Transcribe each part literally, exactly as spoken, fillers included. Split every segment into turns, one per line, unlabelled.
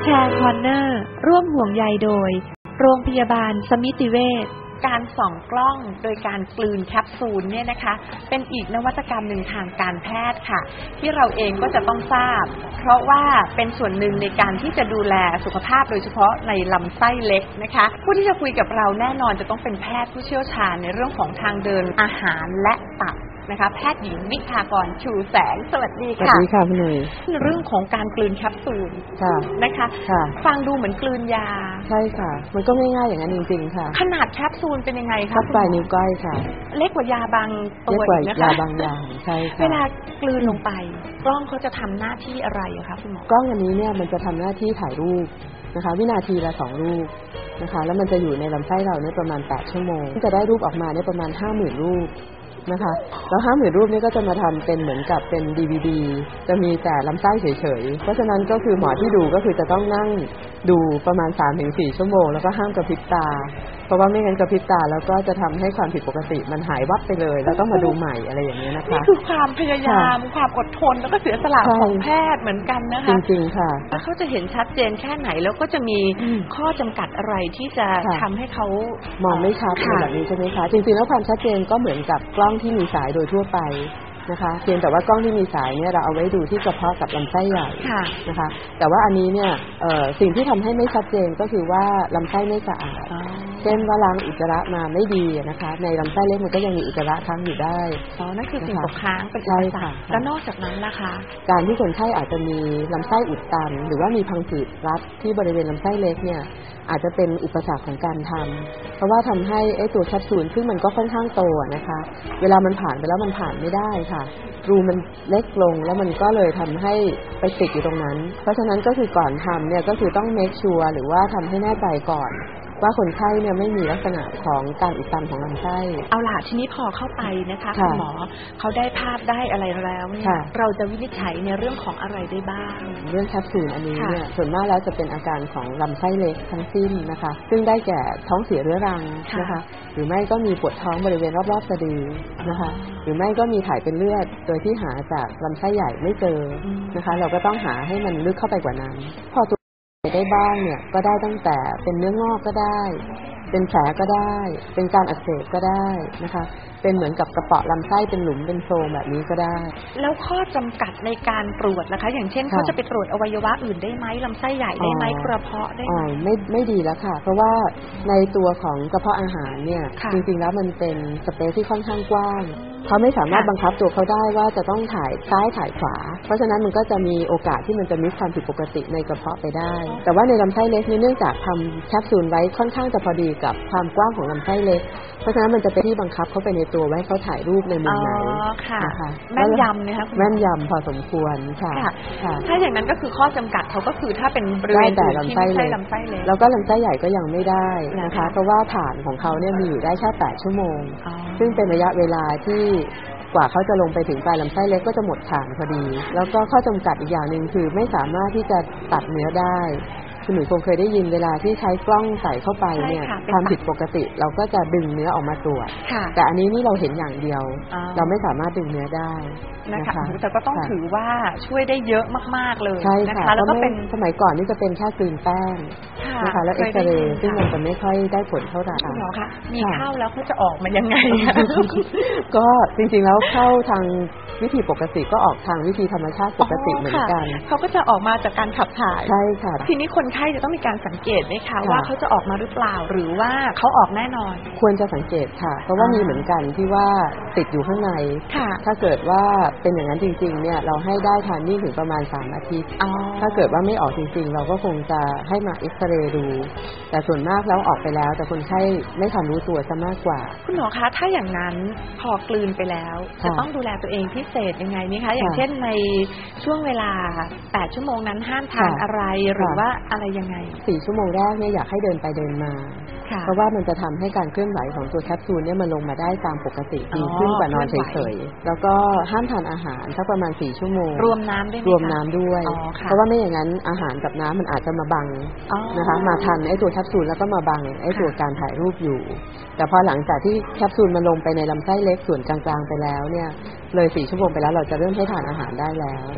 แชร์คอร์เนอร์ร่วมห่วงใยโดยโรงพยาบาลสมิติเวชการส่องกล้องโดยการกลืนแคปซูลเนี่ยนะคะเป็นอีกนวัตกรรมหนึ่งทางการแพทย์ค่ะที่เราเองก็จะต้องทราบเพราะว่าเป็นส่วนหนึ่งในการที่จะดูแลสุขภาพโดยเฉพาะในลำไส้เล็กนะคะผู้ที่จะคุยกับเราแน่นอนจะต้องเป็นแพทย์ผู้เชี่ยวชาญในเรื่องของทางเดินอาหารและตับนะคะแพทย์หญิงวิภากรชูแสงสวัสดีค่ะ
สวัสดีค่ะพี่หนุ่ย
เรื่องของการกลืนแคปซูลนะคะฟังดูเหมือนกลืนยา
ใช่ค่ะมันก็ง่ายๆอย่างนั้นจริงๆค่ะ
ขนาดแคปซูลเป็นยังไงคะ
ปลายนิ้วก้อยค่ะ
เล็กกว่ายาบางตัว
อีกนะคะยาบางอย่างใช่ค่ะ
เวลากลืนลงไปกล้องเขาจะทำหน้าที่อะไรคะคุณหมอก
ล้องอันนี้เนี่ยมันจะทำหน้าที่ถ่ายรูปนะคะวินาทีละสองรูปนะคะแล้วมันจะอยู่ในลำไส้เราเนี่ยประมาณแปดชั่วโมงจะได้รูปออกมาเนี่ยประมาณ ห้าหมื่น รูปนะคะแล้วห้าหมื่นรูปนี้ก็จะมาทำเป็นเหมือนกับเป็น ดี วี ดี จะมีแต่ลำไส้เฉยๆเพราะฉะนั้นก็คือหมอที่ดูก็คือจะต้องนั่งดูประมาณ สามถึงสี่ ชั่วโมงแล้วก็ห้ามกระพริบตาเพราะว่าไม่งั้นกระพริบตาแล้วก็จะทำให้ความผิดปกติมันหายวับไปเลยแล้วต้องมาดูใหม่อะไรอย่างนี้นะคะ
นี่คือความพยายามความอดทนแล้วก็เสียสละของแพทย์เหมือนกันนะคะ
จริงๆค่ะ
แล้วเขาจะเห็นชัดเจนแค่ไหนแล้วก็จะมีข้อจำกัดอะไรที่จะทำให้เขา
มองไม่ชัดแบบนี้ใช่ไหมคะจริงๆแล้วความชัดเจนก็เหมือนกับกล้องที่มีสายโดยทั่วไปนะคะเพียงแต่ว่ากล้องที่มีสายเนี่ยเราเอาไว้ดูที่กระเพาะกับลำไส้ใหญ่นะคะแต่ว่าอันนี้เนี่ยสิ่งที่ทำให้ไม่ชัดเจนก็คือว่าลำไส้ไม่สะอาดเช่นว่าล้างอุจจาระมาไม่ดีนะคะในลำไส้เล็กมันก็ยังมีอุจจาระค้างอยู่ได้
อ๋อนั่นคือสิ่งตกค้างเป็นอุปสรรคแล้วนอกจากนั้นล่ะคะ
การที่คนไข้อาจจะมีลำไส้อุดตันหรือว่ามีพังผืดรัดที่บริเวณลำไส้เล็กเนี่ยอาจจะเป็นอุปสรรคของการทำเพราะว่าทำให้ไอ้ตัวแคปซูลซึ่งมันก็ค่อนข้างโตนะคะเวลามันผ่านไปแล้วมันผ่านไม่ได้ค่ะรูมันเล็กลงแล้วมันก็เลยทำให้ไปติดอยู่ตรงนั้นเพราะฉะนั้นก็คือก่อนทำเนี่ยก็คือต้องเมคชัวร์หรือว่าทำให้แน่ใจก่อนว่าคนไข้เนี่ยไม่มีลักษณะของการอุดตันของลำไส้
เอาล่ะทีนี้พอเข้าไปนะคะคุณหมอเขาได้ภาพได้อะไรแล้วเนี่ยเราจะวินิจฉัยในเรื่องของอะไรได้บ้าง
เรื่องแคปซูลอันนี้เนี่ยส่วนมากแล้วจะเป็นอาการของลำไส้เล็กทั้งสิ้นนะคะซึ่งได้แก่ท้องเสียเรื้อรังนะคะหรือไม่ก็มีปวดท้องบริเวณรอบๆสะดือนะคะหรือไม่ก็มีถ่ายเป็นเลือดโดยที่หาจากลำไส้ใหญ่ไม่เจอนะคะเราก็ต้องหาให้มันลึกเข้าไปกว่านั้นพอได้บ้างเนี่ยก็ได้ตั้งแต่เป็นเนื้องอกก็ได้เป็นแผลก็ได้เป็นการอักเสบก็ได้นะคะเป็นเหมือนกับกระเปาะลำไส้เป็นหลุมเป็นโพรงแบบนี้ก็ได้
แล้วข้อจำกัดในการตรวจนะคะอย่างเช่นเขาจะไปตรวจอวัยวะอื่นได้ไหมลำไส้ใหญ่ได้ไหมกระเพาะได้ไหม
ไม่ไม่ดีแล้วค่ะเพราะว่าในตัวของกระเพาะอาหารเนี่ยจริงๆแล้วมันเป็นสเปซที่ค่อนข้างกว้างเขาไม่สามารถบังคับตัวเขาได้ว่าจะต้องถ่ายซ้ายถ่ายขวาเพราะฉะนั้นมันก็จะมีโอกาสที่มันจะมีความผิดปกติในกระเพาะไปได้แต่ว่าในลำไส้เล็กนี่เนื่องจากทำแคปซูลไว้ค่อนข้างจะพอดีกับความกว้างของลำไส้เล็กเพราะฉะนั้นมันจะเป็นที่บังคับเขาไปในตัวไว้เขาถ่ายรูปในมุมไหน
นะคะแม่นยำนะคะ
แม่นยำพอสมควรค่ะ
ถ้าอย่างนั้นก็คือข้อจำกัดเขาก็คือถ้าเป็นบริเวณที่ไม่ใช่ลำไส้เล็ก
แล้วก็ลำไส้ใหญ่ก็ยังไม่ได้นะคะเพราะว่าฐานของเขาเนี่ยมีอยู่ได้แค่แปดชั่วโมงซึ่งเป็นระยะเวลาที่กว่าเขาจะลงไปถึงปลายลำไส้เล็กก็จะหมดฐานพอดีแล้วก็ข้อจำกัดอีกอย่างหนึ่งคือไม่สามารถที่จะตัดเนื้อได้คุณหนูคงเคยได้ยินเวลาที่ใช้กล้องใส่เข้าไปเนี่ยความผิดปกติเราก็จะดึงเนื้อออกมาตรวจแต่อันนี้นี่เราเห็นอย่างเดียวเราไม่สามารถดึงเนื้อได้
นะคะแต่ก็ต้องถือว่าช่วยได้เยอะมากๆเลย
นะคะแล้วก็เป็นสมัยก่อนนี่จะเป็นแค่กลืนแป้งนะคะแล้วเอ็กซเรย์ซึ่งมันจะไม่ค่อยได้ผลเท่าไหร่
คุณหมอคะมีเข้าแล้วเขาจะออกมายังไง
ก็จริงๆแล้วเข้าทางวิธีปกติก็ออกทางวิธีธรรมชาติปกติเหมือนกัน
เขาก็จะออกมาจากการขับถ่าย
ใช่ค่ะ
ทีนี้คนไข้จะต้องมีการสังเกตไหมคะว่าเขาจะออกมาหรือเปล่าหรือว่าเขาออกแน่นอน
ควรจะสังเกตค่ะเพราะว่ามีเหมือนกันที่ว่าติดอยู่ข้างในถ้าเกิดว่าเป็นอย่างนั้นจริงๆเนี่ยเราให้ได้ทานนิ่งถึงประมาณสามอาทิตย์ถ้าเกิดว่าไม่ออกจริงๆเราก็คงจะให้มาเอ็กซเรย์ดูแต่ส่วนมากแล้วออกไปแล้วแต่คนไข้ไม่ทันรู้ตัวซะมากกว่า
คุณหมอคะถ้าอย่างนั้นพอกลืนไปแล้วจะต้องดูแลตัวเองพิเศษยังไงไหมคะอย่างเช่นในช่วงเวลาแปดชั่วโมงนั้นห้ามทานอะไรหรือว่าอะไรยังไง
สี่ชั่วโมงแรกเนี่ยอยากให้เดินไปเดินมาเพราะว่ามันจะทำให้การเคลื่อนไหวของตัวแคปซูลเนี่ยมันลงมาได้ตามปกติดีขึ้นกว่านอนเฉยๆแล้วก็ห้ามทานอาหารสักประมาณสี่ชั่วโมง
รวมน้ำด้วย
รวมน้ำด้วยเพราะว่าไม่อย่างนั้นอาหารกับน้ำมันอาจจะมาบังนะคะมาทันไอ้ตัวแคปซูลแล้วก็มาบังไอ้ตัวการถ่ายรูปอยู่แต่พอหลังจากที่แคปซูลมันลงไปในลำไส้เล็กส่วนกลางๆไปแล้วเนี่ยเลยสี่ชั่วโมงไปแล้วเราจะเริ่มให้ทานอาหารได้แล้ว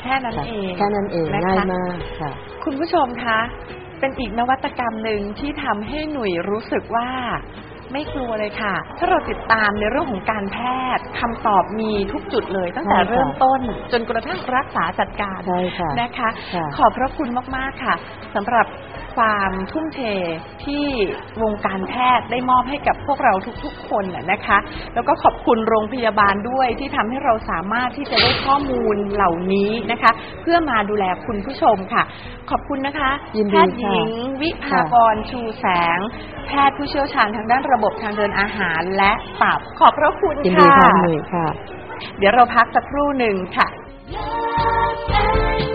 แค่นั้นเอง
แค่นั้นเองง่ายมากค่ะ
คุณผู้ชมคะเป็นอีกนวัตกรรมหนึ่งที่ทำให้หนุ่ยรู้สึกว่าไม่กลัวเลยค่ะถ้าเราติดตามในเรื่องของการแพทย์คำตอบมีทุกจุดเลยตั้งแต่เริ่มต้นจนกระทั่งรักษาจัดการนะคะขอบพระคุณมากๆค่ะสำหรับความทุ่มเทที่วงการแพทย์ได้มอบให้กับพวกเราทุกๆคนนะคะแล้วก็ขอบคุณโรงพยาบาลด้วยที่ทำให้เราสามารถที่จะได้ข้อมูลเหล่านี้นะคะเพื่อมาดูแลคุณผู้ชมค่ะขอบคุณนะคะแพทย์หญิงวิภากรชูแสงแพทย์ผู้เชี่ยวชาญทางด้านระบบทางเดินอาหารและตับขอบพระคุณค่ะเดี๋ยวเราพักสักครู่หนึ่งค่ะ